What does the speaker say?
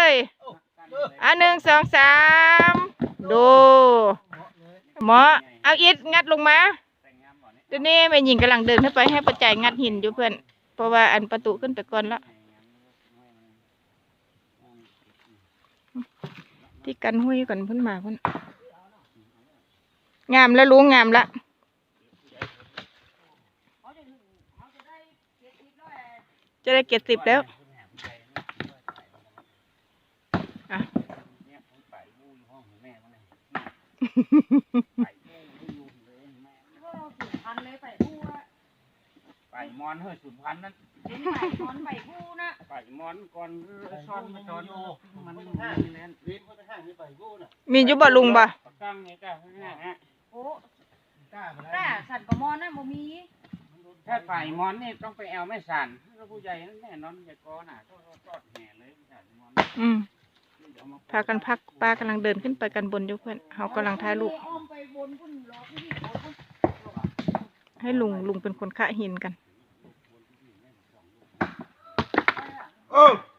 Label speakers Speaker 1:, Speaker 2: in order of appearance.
Speaker 1: ยหนึ่งสองสามดูหมอเอาอิฐงัดลงมาตัวนี้แม่หญิงกำลังเดินขึ้นไปให้ประจัยงัดหินอยู่เพื่อนเพราะว่าอันประตูขึ้นไปก่อนแล้วที่กันห้วยก่อนเพิ่นมาเพิ่นงามแล้วลุงงามละจะได้70แล้ว
Speaker 2: ไปมอนเฮ้ยสุดพันนั้นไปมอนไปผู้นะไปมอนก่อนซ้อนมาซ้อนมันห้างนี่แหละวินมันห้างนี่ไปผู้น่ะ
Speaker 1: มีอยู่บ่ลุงบ่
Speaker 2: ตั้งไงก้าฮะ
Speaker 3: โอ้ก้าสั่นกับมอนนะบ่มี
Speaker 2: ถ้าไปมอนนี่ต้องไปแอลไม่สั่นแล้วผู้ใหญ่นั่นแน่นอนอย่าก้อน่ะทอดแห่เลยมอน
Speaker 1: พากันพักป้ากำลังเดินขึ้นไปกันบนอยู่เพื่อนเขากำลังถ่ายรูปให้ลุงเป็นคนขะหินกัน